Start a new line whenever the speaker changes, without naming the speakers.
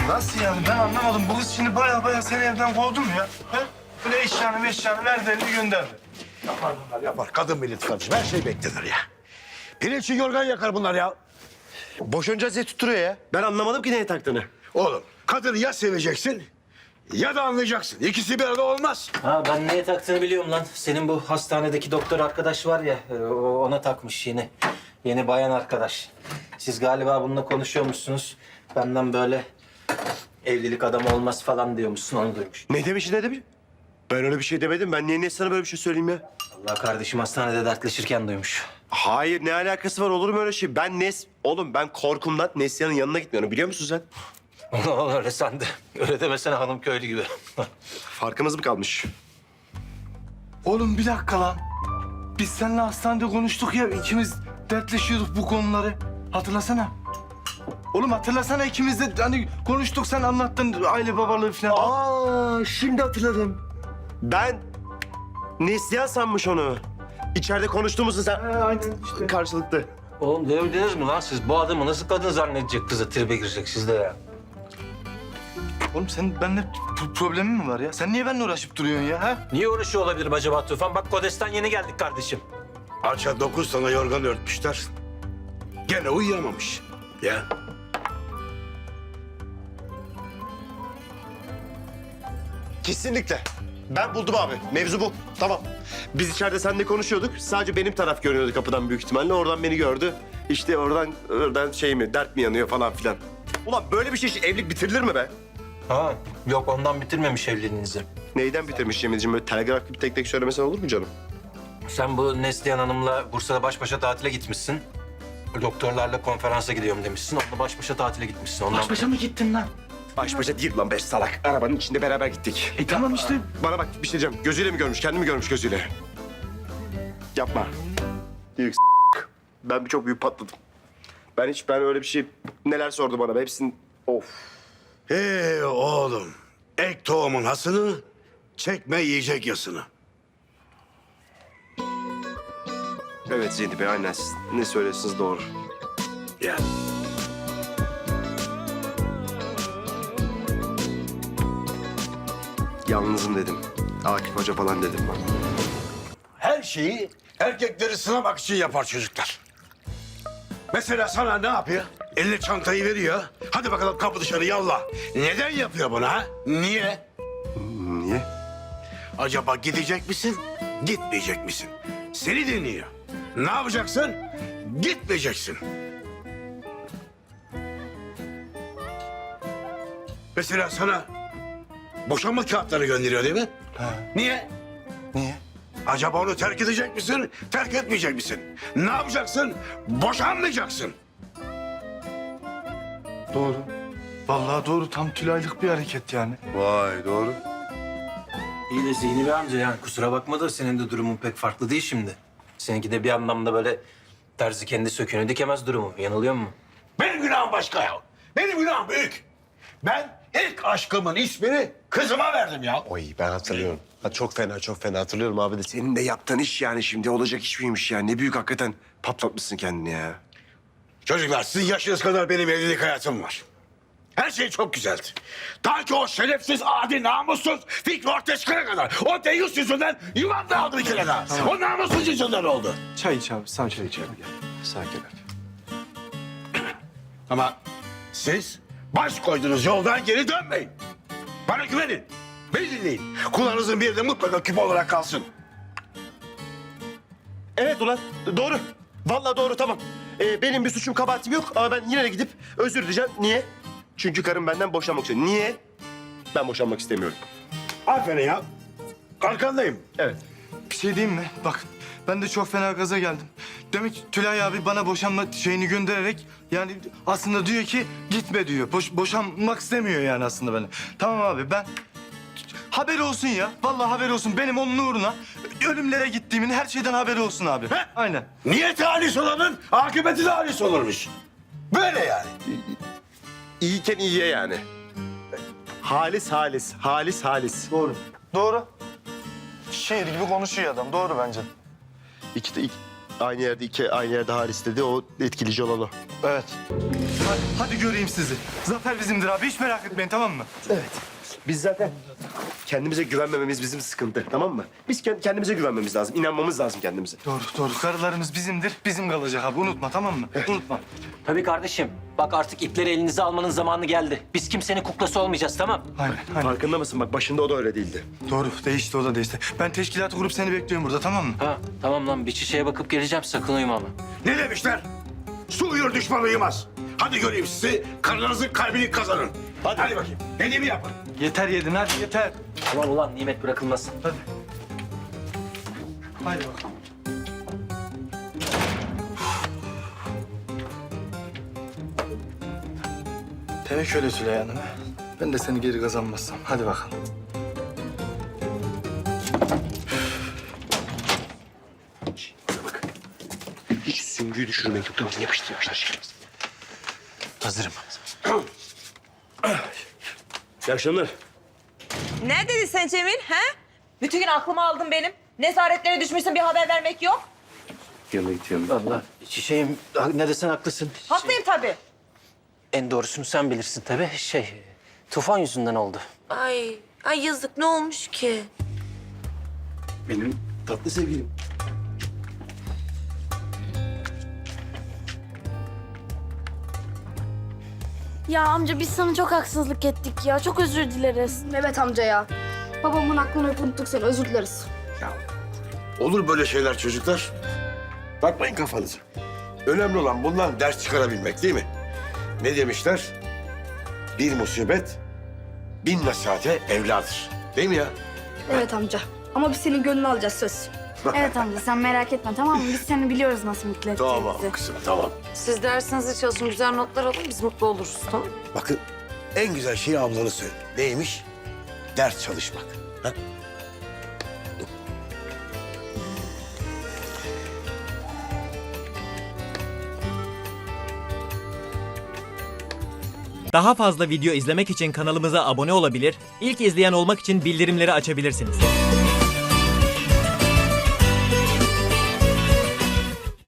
Nasıl yani? Ben anlamadım. Bu kız şimdi baya seni evden kovdu mu ya? He? Böyle eşyanı verdi elini gönderdi.
Yapar bunlar yapar. Kadın milleti kardeşim. Her şey beklenir ya. Pirinçli yorgan yakar bunlar ya.
Boşanacağız diye tutturuyor ya. Ben anlamadım ki neye taktığını.
Oğlum kadını ya seveceksin ya da anlayacaksın. İkisi bir arada olmaz.
Ha ben neye taktığını biliyorum lan. Senin bu hastanedeki doktor arkadaş var ya, ona takmış yeni. Yeni bayan arkadaş. Siz galiba bununla konuşuyormuşsunuz. Benden böyle evlilik adamı olmaz falan diyormuşsun, onu duymuş.
Ne demiş ne demiş? Ben öyle bir şey demedim. Ben niye sana böyle bir şey söyleyeyim ya?
Allah kardeşim hastanede dertleşirken duymuş.
Hayır, ne alakası var, olur mu öyle şey? Oğlum ben korkumdan Neslihan'ın yanına gitmiyorum, biliyor musun sen?
Öyle sandı. Öyle demesene hanım köylü gibi.
Farkımız mı kalmış?
Oğlum bir dakika lan. Biz seninle hastanede konuştuk ya. İkimiz dertleşiyorduk bu konuları. Hatırlasana. Oğlum hatırlasana, ikimiz de hani konuştuk, sen anlattın aile babalığı falan.
Aa, şimdi hatırladım. Ben Neslihan sanmış onu. İçeride konuştuğumuzu sen...
Aynen işte.
Karşılıklı.
Oğlum devildiniz mi lan siz? Bu adamı nasıl kadın zannedecek, kızı tribe girecek sizde ya?
Oğlum senin benimle problemin mi var ya? Sen niye benimle uğraşıp duruyorsun ya? Ha?
Niye uğraşıyor olabilirim acaba Tufan? Bak Kodes'ten yeni geldik kardeşim.
Arça 9 tane yorgan örtmüşler. Gene uyuyamamış. Ya.
Kesinlikle. Ben buldum abi. Mevzu bu. Tamam. Biz içeride seninle konuşuyorduk. Sadece benim taraf görünüyordu kapıdan büyük ihtimalle. Oradan beni gördü. İşte oradan şey mi, dert mi yanıyor falan filan. Ulan böyle bir şey için evlilik bitirilir mi be?
Ha yok, ondan bitirmemiş evliliğinizi.
Neyden bitirmiş Cemil'ciğim? Böyle telgraf gibi tek tek söylemesen olur mu canım?
Sen bu Neslihan Hanım'la Bursa'da baş başa tatile gitmişsin. Doktorlarla konferansa gidiyorum demişsin. Onunla baş başa tatile gitmişsin. Ondan...
Baş başa mı gittin lan?
Baş başa değil lan be salak. Arabanın içinde beraber gittik.
Tamam işte.
Bana bak bir şey diyeceğim. Gözüyle mi görmüş, kendi mi görmüş gözüyle? Yapma. Büyük Ben çok büyük patladım. Ben öyle bir şey... Neler sordu bana be, hepsini... Of.
Oğlum. Ek tohumun hasını, çekme yiyecek yasını.
Evet Zeynep Bey, aynen siz ne söylüyorsunuz doğru.
Ya.
Yalnızım dedim. Akif Hoca falan dedim ben.
Her şeyi erkekleri sınamak için yapar çocuklar. Mesela sana ne yapıyor? Eline çantayı veriyor. Hadi bakalım kapı dışarı yallah. Neden yapıyor bunu ha? Niye?
Niye?
Acaba gidecek misin, gitmeyecek misin? Seni dinliyor. Ne yapacaksın? Gitmeyeceksin. Mesela sana boşanma kağıtları gönderiyor değil mi? Niye?
Niye?
Acaba onu terk edecek misin, terk etmeyecek misin? Ne yapacaksın? Boşanmayacaksın.
Doğru. Vallahi doğru. Tam Tülay'lık bir hareket yani.
Vay doğru.
İyi de Zihni Bey amca, yani kusura bakma da senin de durumun pek farklı değil şimdi. Seninki de bir anlamda böyle terzi kendi söküğünü dikemez durumu. Yanılıyor mu?
Benim günahım başka ya. Benim günahım büyük. Ben ilk aşkımın ismini kızıma verdim ya.
Oy ben hatırlıyorum. Ha, çok fena hatırlıyorum abi de. Senin de yaptığın iş yani şimdi olacak iş miymiş ya? Ne büyük hakikaten patlatmışsın kendini ya.
Çocuklar sizin yaşınız kadar benim evlilik hayatım var. Her şey çok güzeldi. Ta ki o şerefsiz, adi, namussuz Fikri ortaya çıkana kadar. O deyyus yüzünden yuvam dağıldı bir kere daha. O namussuz yüzünden oldu.
Çay iç abi. Sen çay iç abi. Gel.
Sakin ol.
Ama siz baş koyduğunuz yoldan geri dönmeyin. Bana güvenin. Beni dinleyin. Kulağınızın bir de mutlaka küpe olarak kalsın.
Evet ulan doğru. Vallahi doğru tamam. Benim bir suçum kabahatim yok ama ben yine de gidip özür dileyeceğim. Niye? Çünkü karım benden boşanmak istiyor. Niye? Ben boşanmak istemiyorum.
Aferin ya. Arkandayım.
Evet.
Bir şey diyeyim mi? Bak ben de çok fena gaza geldim. Demek ki Tülay abi bana boşanma şeyini göndererek yani aslında diyor ki gitme diyor. Boşanmak istemiyor yani aslında beni. Tamam abi ben haber olsun ya. Vallahi haber olsun. Benim onun uğruna ölümlere gittiğimin her şeyden haberi olsun abi.
Heh.
Aynen.
Niyeti halis olanın akıbeti de halis olurmuş. Böyle yani.
İyiyken iyiye yani. Halis.
Doğru. Doğru. Şiir gibi konuşuyor adam. Doğru bence.
Aynı yerde halis dedi. O etkileyici olan o.
Evet. Hadi göreyim sizi. Zafer bizimdir abi. Hiç merak etmeyin, tamam mı?
Evet. Biz zaten kendimize güvenmememiz bizim sıkıntı, tamam mı? Biz kendimize güvenmemiz lazım, inanmamız lazım kendimize.
Doğru, doğru. Karılarımız bizimdir. Bizim kalacak abi. Unutma, tamam mı? Unutma.
Tabii kardeşim. Bak artık ipleri elinize almanın zamanı geldi. Biz kimsenin kuklası olmayacağız, tamam?
Aynen, aynen.
Farkında mısın? Bak başında o da öyle değildi.
Doğru. Değişti, o da değişti. Ben teşkilatı kurup seni bekliyorum burada, tamam mı?
Ha tamam lan, bir şişeye bakıp geleceğim, sakın uyuma ama.
Ne demişler? Su uyur düşman uyumaz. Hadi göreyim sizi. Karınızın kalbini kazanın. Hadi bakayım. Dediğimi yapın.
Yeter yedin, hadi yeter.
Tamam ulan, nimet bırakılmasın.
Hadi. Haydi bakalım. Demek öyle Tülay Hanım. Ben de seni geri kazanmazsam. Hadi bakalım.
Bana bak. Hiç süngüyü düşürmek yok, tamam mı? Yapıştır, yapıştır.
Hazırım.
İyi akşamlar.
Ne dedi sen Cemil, he? Bütün gün aklımı aldın benim. Nezaretlere düşmüşsün, bir haber vermek yok.
Yanına gidiyorum.
Vallahi çiçeğim, ne desen haklısın.
Haklıyım tabii.
En doğrusunu sen bilirsin tabii. Tufan yüzünden oldu.
Ay yazık, ne olmuş ki?
Benim tatlı sevgilim.
Ya amca biz sana çok haksızlık ettik ya. Çok özür dileriz.
Evet amca ya. Babamın aklını unuttuk seni, özür dileriz.
Olur böyle şeyler çocuklar. Bakmayın kafanıza. Önemli olan bundan ders çıkarabilmek değil mi? Ne demişler? Bir musibet bin nasihate evladır. Değil mi ya?
Evet amca. Ama biz senin gönlünü alacağız, söz.
Evet amca sen merak etme tamam mı? Biz seni biliyoruz nasıl mutlu edeceğimizi.
Tamam kızım tamam.
Siz dersinizi çalışın, güzel notlar alın, biz mutlu oluruz, tamam mı?
Bakın en güzel şeyi ablanız söyledi. Neymiş? Ders çalışmak. Ha?
Daha fazla video izlemek için kanalımıza abone olabilir, ilk izleyen olmak için bildirimleri açabilirsiniz.